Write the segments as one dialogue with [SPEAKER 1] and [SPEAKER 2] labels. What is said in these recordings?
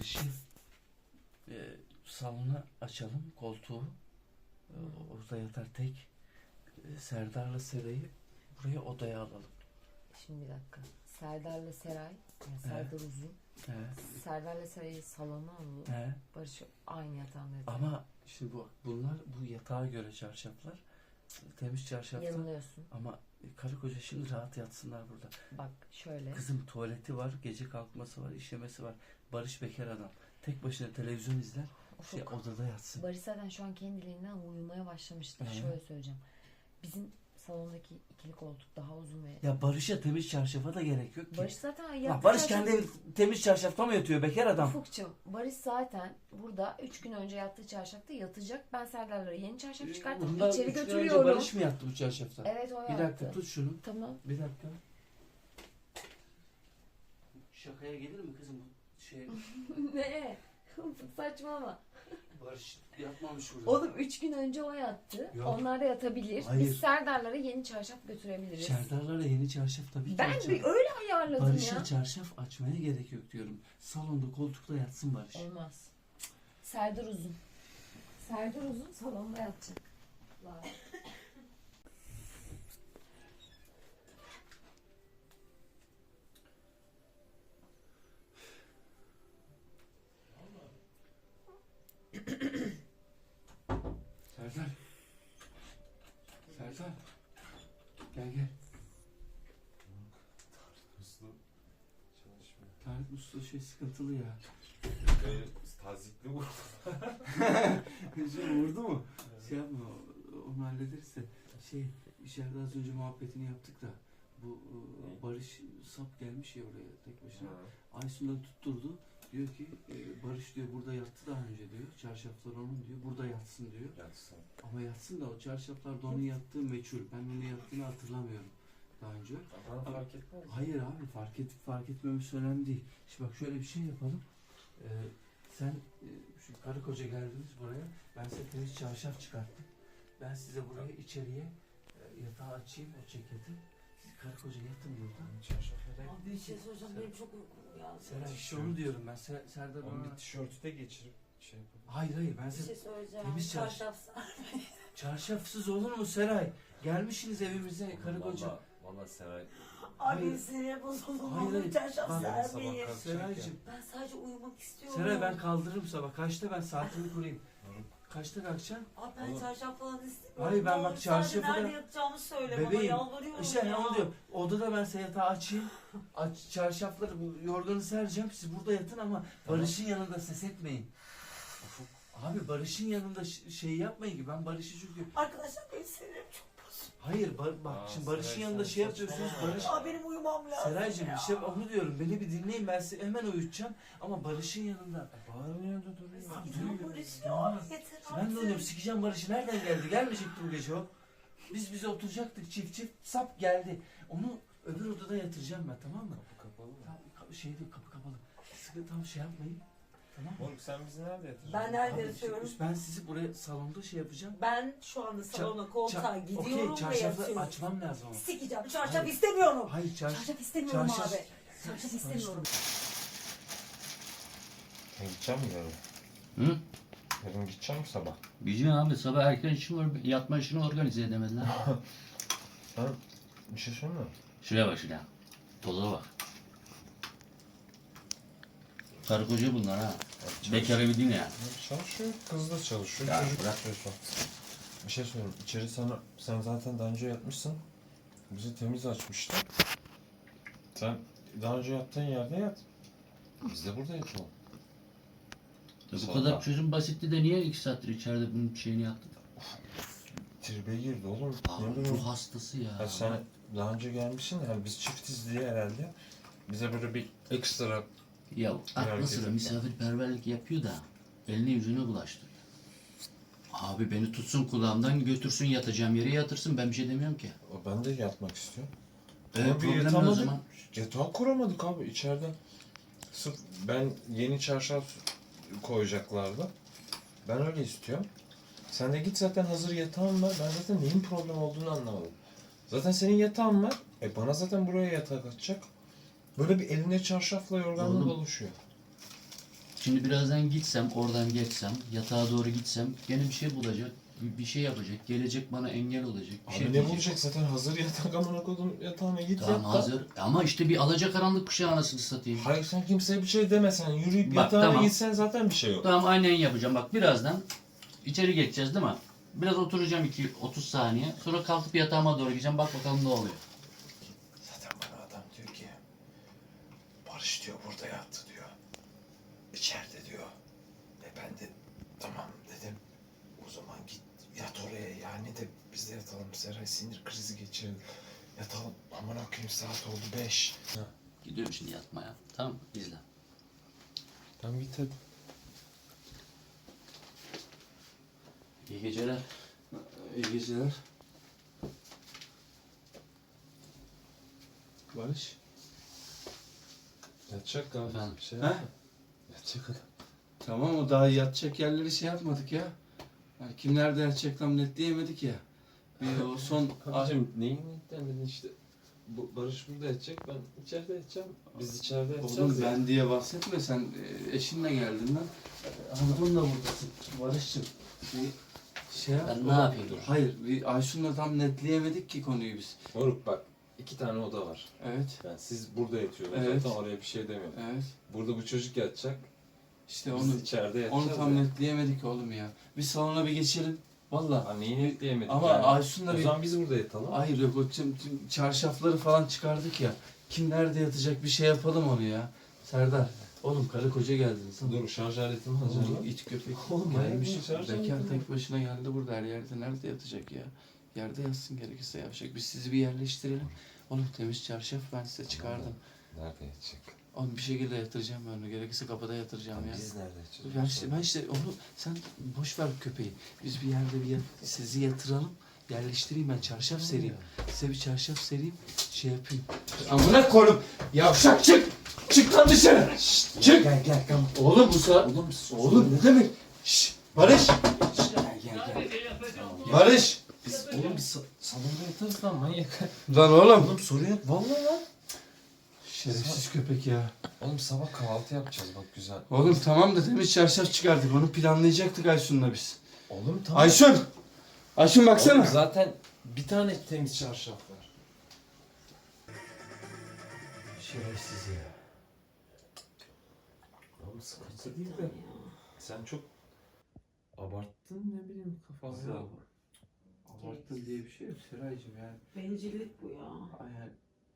[SPEAKER 1] Salonu açalım, koltuğu. Orada yatar tek. Serdar'la Seray'ı buraya odaya alalım.
[SPEAKER 2] Şimdi bir dakika. Serdar'la Seray, yani Serdar Uzun. Serdar'la Seray'ı salona alalım. Barış aynı yatağında yatıyor.
[SPEAKER 1] Ama şimdi bunlar bu yatağa göre çarşaflar. Temiz çarşaflar.
[SPEAKER 2] Yanılıyorsun.
[SPEAKER 1] Ama karı koca şimdi rahat yatsınlar burada.
[SPEAKER 2] Bak şöyle.
[SPEAKER 1] Kızım tuvaleti var, gece kalkması var, işemesi var. Barış bekar adam. Tek başına televizyon izler. Odada yatsın.
[SPEAKER 2] Barış zaten şu an kendiliğinden uyumaya başlamıştır. Şöyle söyleyeceğim. Bizim salondaki ikili koltuk daha uzun ve...
[SPEAKER 1] Ya Barış'a temiz çarşafa da gerek yok ki.
[SPEAKER 2] Barış zaten yattı.
[SPEAKER 1] Barış kendi temiz çarşafta mı yatıyor bekar adam?
[SPEAKER 2] Ufukcuğum, Barış zaten burada 3 gün önce yattığı çarşafta yatacak. Ben Serdar'lara yeni çarşaf çıkartıp içeri götürüyorum.
[SPEAKER 1] Önce Barış mı yattı bu çarşafta?
[SPEAKER 2] Evet, o yattı.
[SPEAKER 1] Bir dakika tut şunu.
[SPEAKER 2] Tamam.
[SPEAKER 1] Bir dakika. Şakaya gelir mi kızım bu şey?
[SPEAKER 2] Ne? Saçmalama.
[SPEAKER 1] Barış yatmamış burada.
[SPEAKER 2] Oğlum 3 gün önce o yattı.
[SPEAKER 1] Yok.
[SPEAKER 2] Onlar da yatabilir.
[SPEAKER 1] Hayır.
[SPEAKER 2] Biz Serdar'lara yeni çarşaf götürebiliriz.
[SPEAKER 1] Serdar'lara yeni çarşaf tabii ki
[SPEAKER 2] Ben
[SPEAKER 1] açalım.
[SPEAKER 2] öyle ayarladım
[SPEAKER 1] Barış'a
[SPEAKER 2] ya.
[SPEAKER 1] çarşaf açmaya gerek yok diyorum. Salonda koltukta yatsın Barış.
[SPEAKER 2] Olmaz. Serdar Uzun. Serdar Uzun salonda yatacak.
[SPEAKER 1] Serdar. Serdar. Gel.
[SPEAKER 3] Muslu çalışmıyor.
[SPEAKER 1] Tarık Usta sıkıntılı ya.
[SPEAKER 3] Tazikli vurdu.
[SPEAKER 1] Vurdu mu? Şey yapma, onu hallederiz de. İçeride az önce muhabbetini yaptık da. Bu Barış sap gelmiş ya oraya tek başına. Aysun'dan tutturdu. Diyor ki Barış diyor burada yattı daha önce diyor. Çarşaflar onun diyor. Burada yatsın diyor.
[SPEAKER 3] Yatsın.
[SPEAKER 1] Ama yatsın da o çarşaflarda onun yattığı meçhul. Ben onun yattığını hatırlamıyorum daha önce.
[SPEAKER 3] Bana fark etmez.
[SPEAKER 1] Hayır abi fark etmemiz önemli değil. Şimdi bak şöyle bir şey yapalım. Sen şu karı koca geldiniz buraya. Ben size temiz çarşaf çıkarttım. Ben size buraya içeriye yatağı açayım o ceketi. Siz karı koca yatın burada.
[SPEAKER 2] Abi bir şey soracağım, benim çok uykum ya.
[SPEAKER 1] Seray işte onu diyorum ben. Serdar
[SPEAKER 3] Onu
[SPEAKER 1] bana...
[SPEAKER 3] bir tişörtü de geçirip şey yapalım.
[SPEAKER 1] Hayır ben
[SPEAKER 2] Bir
[SPEAKER 1] size...
[SPEAKER 2] şey söyleyeceğim.
[SPEAKER 1] Temiz
[SPEAKER 2] Çarşaf.
[SPEAKER 1] Çarşafsız olur mu Seray? Gelmişsiniz evimize karı koca.
[SPEAKER 3] Valla Seray.
[SPEAKER 2] Abi sinir bozuldu.
[SPEAKER 1] Hayır.
[SPEAKER 2] Çarşaf
[SPEAKER 1] Bak,
[SPEAKER 2] sermeyin.
[SPEAKER 1] Seraycığım.
[SPEAKER 2] Ben sadece uyumak istiyorum.
[SPEAKER 1] Seray ben kaldırırım sabah. Kaçta ben saatimi kurayım? Kaçta kalkacaksın?
[SPEAKER 2] Abi ben çarşaf falan istemiyorum.
[SPEAKER 1] Hayır ben bak çarşafı da...
[SPEAKER 2] Nerede yatacağımı söyle bana,
[SPEAKER 1] Bebeğim,
[SPEAKER 2] yalvarıyorum
[SPEAKER 1] İşte
[SPEAKER 2] ya.
[SPEAKER 1] onu diyor. Odada ben size yatağı açayım. Çarşafları, bu yorganı sereceğim. Siz burada yatın ama Barış'ın yanında ses etmeyin. Abi Barış'ın yanında şey yapmayın ki. Ben Barış'ı çünkü...
[SPEAKER 2] Arkadaşlar benim sinirim çok bozuk.
[SPEAKER 1] Hayır bak şimdi Barış'ın
[SPEAKER 3] Seray,
[SPEAKER 1] yanında
[SPEAKER 3] sen
[SPEAKER 1] şey yapıyorsunuz. Barış...
[SPEAKER 2] Benim uyumam lazım.
[SPEAKER 1] Seraycığım işte onu diyorum. Beni bir dinleyin, ben sizi hemen uyutacağım. Ama Barış'ın yanında...
[SPEAKER 3] Bağırın yanında duruyor.
[SPEAKER 2] Sikeceğim Barış ya. Yeter artık.
[SPEAKER 1] Ben de diyorum sikeceğim Barış'ı. Nereden geldi? Gelmeyecekti bu gece o. Biz oturacaktık çift. Sap geldi. Onu öbür odada yatıracağım ben, tamam mı?
[SPEAKER 3] Kapı kapalı mı?
[SPEAKER 1] Kapı kapalı. Sıkı tam şey yapmayın. Tamam mı?
[SPEAKER 3] Oğlum sen bizi nerede yatıracaksın?
[SPEAKER 2] Ben nerede
[SPEAKER 1] Abi,
[SPEAKER 2] yatıyorum?
[SPEAKER 1] Ben sizi buraya salonda şey yapacağım.
[SPEAKER 2] Ben şu anda salona koltuğa gidiyorum ve
[SPEAKER 1] çarşafı
[SPEAKER 2] yatıyorum.
[SPEAKER 1] açmam lazım ama.
[SPEAKER 2] Sikeceğim. Çarşaf
[SPEAKER 1] Hayır.
[SPEAKER 2] istemiyorum.
[SPEAKER 1] Hayır
[SPEAKER 2] Çarşaf istemiyorum
[SPEAKER 1] çarşaf-
[SPEAKER 2] abi. Çarşaf istemiyorum.
[SPEAKER 3] Sen gidecek misin yarın?
[SPEAKER 4] Hı?
[SPEAKER 3] Yarın gidecek misin sabah?
[SPEAKER 4] Bizim abi sabah erken yatma işini organize edemediler.
[SPEAKER 3] Sen bir şey söyleme.
[SPEAKER 4] Şuraya bak şuraya. Toza bak. Karı koca bunlar ha. Bekar evi değil mi ya?
[SPEAKER 3] Çalışıyor, kız da çalışıyor.
[SPEAKER 4] Ya
[SPEAKER 3] Çocuk
[SPEAKER 4] bırak.
[SPEAKER 3] çalışıyor. Bir şey söyleyeyim. İçeri sen zaten daha önce yatmışsın. Bizi temiz açmıştı. Sen daha önce yattığın yerde yat. Biz de burada yatalım.
[SPEAKER 4] Bu
[SPEAKER 3] Sonra-
[SPEAKER 4] kadar çözüm basitti de niye 2 saattir içeride bunun şeyini yaptın?
[SPEAKER 3] Tribe girdi oğlum. Ne
[SPEAKER 4] Abi
[SPEAKER 3] bileyim.
[SPEAKER 4] ruh hastası ya.
[SPEAKER 3] Ya sen daha önce gelmişsin yani biz çiftiz diye herhalde. Bize böyle bir ekstra
[SPEAKER 4] Ya aklı
[SPEAKER 3] Herkes
[SPEAKER 4] sıra
[SPEAKER 3] yapar.
[SPEAKER 4] misafirperverlik yapıyor da elini yüzünü bulaştırıyor. Abi beni tutsun kulağımdan götürsün yatacağım yere yatırsın, ben bir şey demiyorum ki.
[SPEAKER 3] ben de yatmak istiyorum.
[SPEAKER 4] Problem ne o
[SPEAKER 3] yatamadık.
[SPEAKER 4] zaman?
[SPEAKER 3] Yatağı kuramadık abi içeriden. Sırf ben yeni çarşaf koyacaklardı. Ben öyle istiyorum. Sen de git zaten hazır yatağın var. Ben zaten neyin problem olduğunu anlamadım. Zaten senin yatağın var. Bana zaten buraya yatak atacak. Böyle bir eline çarşafla yorganla
[SPEAKER 4] Oğlum.
[SPEAKER 3] doluşuyor.
[SPEAKER 4] Şimdi birazdan gitsem, oradan geçsem, yatağa doğru gitsem gene bir şey bulacak, bir şey yapacak, gelecek bana engel olacak. Bir
[SPEAKER 3] Abi
[SPEAKER 4] şey
[SPEAKER 3] ne
[SPEAKER 4] diyecek.
[SPEAKER 3] bulacak zaten hazır yatak amına koydum yatağına git
[SPEAKER 4] Tamam
[SPEAKER 3] yat da.
[SPEAKER 4] hazır ama işte bir alacakaranlık kuşağı anasını satayım.
[SPEAKER 3] Hayır sen kimseye bir şey demesen yürüyüp
[SPEAKER 4] Bak,
[SPEAKER 3] yatağına
[SPEAKER 4] tamam.
[SPEAKER 3] gitsen zaten bir şey yok.
[SPEAKER 4] Tamam aynen yapacağım. Bak birazdan içeri geçeceğiz değil mi? Biraz oturacağım 30 saniye. Sonra kalkıp yatağıma doğru gideceğim. Bak bakalım ne oluyor.
[SPEAKER 3] Zaten bana adam diyor ki Barış diyor burada yattı diyor. İçeride diyor. Ben de tamam dedim. O zaman git yat oraya yani de biz de yatalım. Seray sinir krizi geçirdi. Yatalım. Aman okuyayım saat oldu 5.
[SPEAKER 4] Gidiyorum şimdi yatmaya. Tamam mı? İzle.
[SPEAKER 3] Tamam git hadi.
[SPEAKER 4] İyi geceler.
[SPEAKER 1] İyi geceler. Barış.
[SPEAKER 3] Yatacak galiba.
[SPEAKER 4] Efendim?
[SPEAKER 3] Bir şey
[SPEAKER 1] He?
[SPEAKER 3] yapma. Yatacak adam.
[SPEAKER 1] Tamam o daha yatacak yerleri şey yapmadık ya. Yani kim nerede yatacak tam netleyemedik ya. Bir o son...
[SPEAKER 3] Abicim neyin dedin işte. Barış burada yatacak, ben içeride yatacağım. Biz içeride yatacağız
[SPEAKER 1] Oğlum
[SPEAKER 3] ya.
[SPEAKER 1] ben diye bahsetme sen eşinle geldin lan. Hanımınla buradasın Barış'cığım. Bir şey yap.
[SPEAKER 4] Ben ne yapayım?
[SPEAKER 1] Hayır bir Aysun'la tam netleyemedik ki konuyu biz.
[SPEAKER 3] Moruk bak 2 tane oda var.
[SPEAKER 1] Evet.
[SPEAKER 3] Yani siz burada yatıyorsunuz
[SPEAKER 1] Evet.
[SPEAKER 3] zaten oraya bir şey demiyorum.
[SPEAKER 1] Evet.
[SPEAKER 3] Burada bu çocuk yatacak.
[SPEAKER 1] İşte
[SPEAKER 3] Biz
[SPEAKER 1] onu
[SPEAKER 3] içeride yatacağız.
[SPEAKER 1] onu tam
[SPEAKER 3] ya.
[SPEAKER 1] netleyemedik oğlum ya. Bir salona bir geçelim. Valla.
[SPEAKER 3] Ha, neyi netleyemedik
[SPEAKER 1] Ama
[SPEAKER 3] yani?
[SPEAKER 1] Aysun'la
[SPEAKER 3] O
[SPEAKER 1] bir...
[SPEAKER 3] zaman biz burada yatalım.
[SPEAKER 1] Hayır yok o tüm çarşafları falan çıkardık ya. Kim nerede yatacak bir şey yapalım onu ya. Serdar. Oğlum karı koca geldiniz.
[SPEAKER 3] Dur şarj aletimi alacağım.
[SPEAKER 1] Oğlum it köpek.
[SPEAKER 3] Oğlum,
[SPEAKER 1] Gelmiş.
[SPEAKER 3] manyak mısın? Şarj
[SPEAKER 1] Bekar
[SPEAKER 3] aleti
[SPEAKER 1] tek başına geldi burada her yerde. Nerede yatacak ya? Yerde yatsın gerekirse yapacak. Biz sizi bir yerleştirelim. Oğlum temiz çarşaf ben size çıkardım.
[SPEAKER 3] Nerede yatacak?
[SPEAKER 1] Oğlum bir şekilde yatıracağım ben onu. Gerekirse kapıda yatıracağım ya.
[SPEAKER 3] Biz nerede yatacağız?
[SPEAKER 1] Ben işte onu sen boş ver köpeği. Biz bir yerde sizi yatıralım. Yerleştireyim ben çarşaf sereyim. Size bir çarşaf sereyim. Şey yapayım. Amına koyayım. Yavşak çık. Çık lan dışarı. Şşt, çık.
[SPEAKER 3] Gel tamam.
[SPEAKER 1] Oğlum bu saat. Oğlum ne demek? Şşt. Barış. Gel. Barış.
[SPEAKER 3] Biz oğlum biz salonda yatarız lan manyak.
[SPEAKER 1] Lan oğlum.
[SPEAKER 3] Oğlum sorun yok vallahi lan.
[SPEAKER 1] Şerefsiz köpek ya.
[SPEAKER 3] Oğlum sabah kahvaltı yapacağız bak güzel.
[SPEAKER 1] Oğlum tamam da temiz çarşaf çıkardık. Onu planlayacaktık Aysun'la biz.
[SPEAKER 3] Oğlum tamam.
[SPEAKER 1] Aysun. Aysun baksana.
[SPEAKER 3] Oğlum zaten bir tane temiz çarşaf var.
[SPEAKER 1] Şerefsiz ya.
[SPEAKER 3] Oğlum sıkıntı değil de. Sen çok abarttın ne bileyim kafası.
[SPEAKER 1] Abarttın diye bir şey yok Seraycığım yani.
[SPEAKER 2] Bencillik bu ya.
[SPEAKER 1] Yani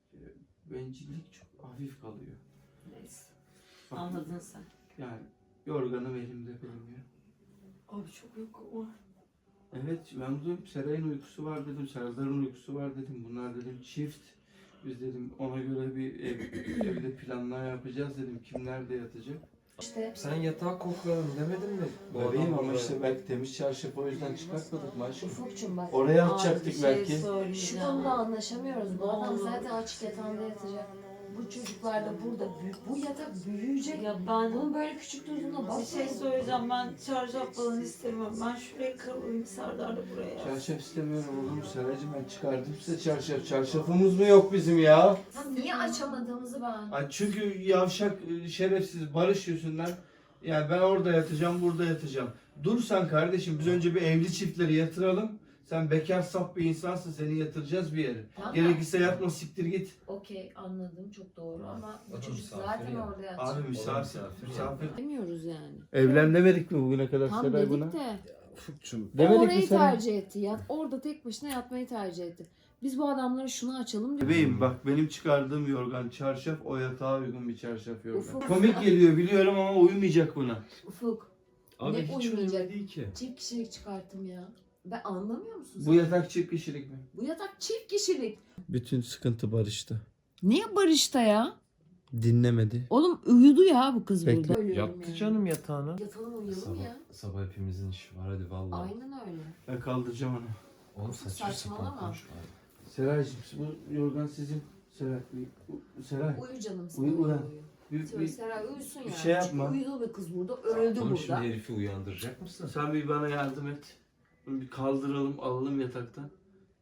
[SPEAKER 1] bencillik çok hafif kalıyor.
[SPEAKER 2] Neyse.
[SPEAKER 1] Bak,
[SPEAKER 2] Anladın sen.
[SPEAKER 1] yani yorganım elimde benim ya.
[SPEAKER 2] Abi çok uykum var.
[SPEAKER 1] Evet ben dedim Seray'ın uykusu var dedim, Serdar'ın uykusu var dedim. Bunlar dedim çift. Biz dedim ona göre bir evde planlar yapacağız dedim. Kim nerede yatacak?
[SPEAKER 2] İşte
[SPEAKER 3] Sen yatağı kokladın demedin mi?
[SPEAKER 1] Bebeğim ama işte belki temiz çarşaf o yüzden çıkartmadık maşallah.
[SPEAKER 2] Ufukçum bak.
[SPEAKER 1] Oraya
[SPEAKER 2] Abi
[SPEAKER 1] atacaktık
[SPEAKER 2] bir şey
[SPEAKER 1] belki.
[SPEAKER 2] Şu konuda anlaşamıyoruz. Bu adam zaten açık yatağında yatacak. Bu çocuklar da burada bu yatak büyüyecek.
[SPEAKER 5] Ya ben
[SPEAKER 2] Bunun böyle küçük durduğuna
[SPEAKER 5] bir
[SPEAKER 2] bakmayın.
[SPEAKER 5] şey söyleyeceğim. Ben çarşaf falan istemiyorum. Ben şuraya kalayım, Serdar da buraya.
[SPEAKER 1] Çarşaf istemiyorum oğlum Seraycığım ben çıkardım size çarşaf. Çarşafımız mı yok bizim ya?
[SPEAKER 2] Ya niye açamadığımızı ben.
[SPEAKER 1] Ay çünkü yavşak şerefsiz Barış yüzünden yani ben orada yatacağım burada yatacağım. Dur sen kardeşim biz önce bir evli çiftleri yatıralım. Sen bekar saf bir insansın seni yatıracağız bir yere.
[SPEAKER 2] Tamam.
[SPEAKER 1] Gerekirse yatma siktir git.
[SPEAKER 2] Okey anladım çok doğru ama bu
[SPEAKER 3] Adam
[SPEAKER 2] çocuk
[SPEAKER 3] misafir
[SPEAKER 2] zaten
[SPEAKER 3] ya.
[SPEAKER 2] orada yatacak.
[SPEAKER 1] Abi misafir.
[SPEAKER 2] Demiyoruz yani.
[SPEAKER 1] Evlen demedik mi bugüne kadar
[SPEAKER 2] Tam
[SPEAKER 1] Seray
[SPEAKER 2] dedik
[SPEAKER 1] buna?
[SPEAKER 2] de.
[SPEAKER 3] Ufukçum.
[SPEAKER 2] O
[SPEAKER 1] Demedik mi
[SPEAKER 2] orayı
[SPEAKER 1] Seray?
[SPEAKER 2] tercih etti. Orada tek başına yatmayı tercih etti. Biz bu adamlara şunu açalım diye.
[SPEAKER 1] Bebeğim bak benim çıkardığım yorgan çarşaf o yatağa uygun bir çarşaf yorgan.
[SPEAKER 2] Ufuk.
[SPEAKER 1] Komik geliyor biliyorum ama uyumayacak buna.
[SPEAKER 2] Ufuk.
[SPEAKER 3] Abi
[SPEAKER 2] Ne
[SPEAKER 3] hiç
[SPEAKER 2] uyumayacak?
[SPEAKER 3] önemli değil ki.
[SPEAKER 2] Çift kişilik çıkarttım ya. Ben anlamıyor musun?
[SPEAKER 1] Bu yatak çift kişilik mi?
[SPEAKER 2] Bu yatak çift kişilik.
[SPEAKER 1] Bütün sıkıntı Barış'ta.
[SPEAKER 2] Niye Barış'ta ya?
[SPEAKER 1] Dinlemedi.
[SPEAKER 2] Oğlum uyudu ya bu kız
[SPEAKER 1] Bekle.
[SPEAKER 2] burada.
[SPEAKER 3] Yattı canım yatağına.
[SPEAKER 2] Yatalım uyuyalım ya.
[SPEAKER 3] Sabah hepimizin işi var hadi vallahi.
[SPEAKER 2] Aynen öyle.
[SPEAKER 1] Ben kaldıracağım onu.
[SPEAKER 3] Oğlum saçma
[SPEAKER 2] Saçmalama.
[SPEAKER 3] sapan konuşma.
[SPEAKER 1] Seraycığım bu yorgan sizin. Seray. Seray.
[SPEAKER 2] Uyu canım sen.
[SPEAKER 1] Uyu,
[SPEAKER 2] Uyu,
[SPEAKER 1] uyan.
[SPEAKER 2] uyu.
[SPEAKER 1] Bir,
[SPEAKER 2] Seray uyusun
[SPEAKER 1] bir
[SPEAKER 2] ya.
[SPEAKER 1] şey yapma.
[SPEAKER 2] Çünkü uyudu be kız burada. Öldü
[SPEAKER 3] Oğlum şimdi
[SPEAKER 2] burada.
[SPEAKER 3] herifi uyandıracak mısın?
[SPEAKER 1] sen bir bana yardım et. Bunu bir kaldıralım, alalım yataktan.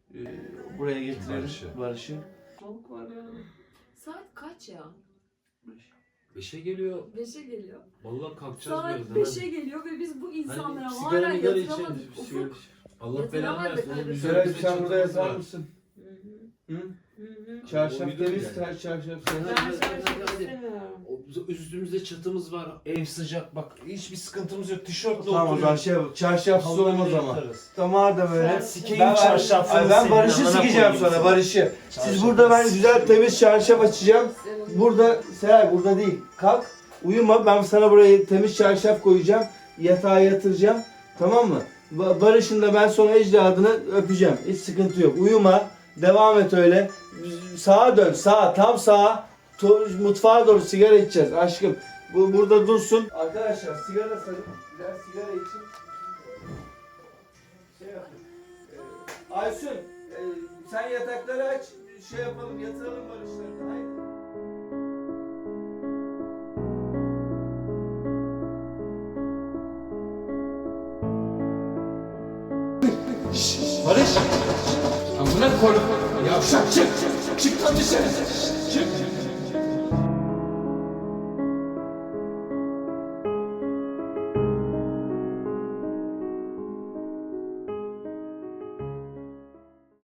[SPEAKER 1] Buraya getirelim
[SPEAKER 3] Barış'ı.
[SPEAKER 1] Barış'ı. Soğuk var ya.
[SPEAKER 2] Saat kaç ya?
[SPEAKER 3] 5'e geliyor.
[SPEAKER 6] 5'e geliyor.
[SPEAKER 3] Vallahi kalkacağız
[SPEAKER 6] Saat
[SPEAKER 3] birazdan.
[SPEAKER 6] 5'e geliyor ve biz bu insanlara
[SPEAKER 3] Hani
[SPEAKER 6] hala
[SPEAKER 3] sigara
[SPEAKER 6] yatıramadık.
[SPEAKER 3] içelim, sigara
[SPEAKER 6] Ufuk.
[SPEAKER 3] Allah belanı
[SPEAKER 6] Yatıramadık
[SPEAKER 3] versin. Oğlum,
[SPEAKER 6] kardeşim.
[SPEAKER 3] üzerimize
[SPEAKER 1] Seray sen burada
[SPEAKER 3] çatımız
[SPEAKER 1] yatar
[SPEAKER 3] var.
[SPEAKER 1] mısın? Hı?
[SPEAKER 3] O
[SPEAKER 1] Çarşaf
[SPEAKER 3] uyudu
[SPEAKER 1] temiz,
[SPEAKER 3] yani.
[SPEAKER 1] çarşaf
[SPEAKER 5] Ben
[SPEAKER 1] sen.
[SPEAKER 5] çarşaf istemiyorum.
[SPEAKER 3] Üstümüzde çatımız var. Ev sıcak. Bak hiçbir sıkıntımız yok. Tişörtle
[SPEAKER 1] Tamam o zaman şey yap, çarşafsız olmaz ama. Tamam da böyle.
[SPEAKER 3] Sikeyim çarşafını
[SPEAKER 1] Ben
[SPEAKER 3] senin,
[SPEAKER 1] Barış'ı
[SPEAKER 3] amına
[SPEAKER 1] sikeceğim
[SPEAKER 3] koyayım
[SPEAKER 1] sonra
[SPEAKER 3] seni.
[SPEAKER 1] Barış'ı. Siz burada ben güzel temiz çarşaf açacağım. Burada Seray burada değil. Kalk uyuma ben sana buraya temiz çarşaf koyacağım. Yatağa yatıracağım. Tamam mı? Barış'ın da ben sonra ecdadını öpeceğim. Hiç sıkıntı yok. Uyuma. Devam et öyle. Sağa dön. Sağa. Tam sağa. Mutfağa doğru sigara içeceğiz aşkım. Bu burada dursun. Arkadaşlar sigara sarıp biraz sigara için şey yapın. Aysun sen yatakları aç. Şey yapalım yatıralım Barış'ları. Haydi. Barış! Amına koyayım. Yavşak çık! Çık lan dışarı! Çık!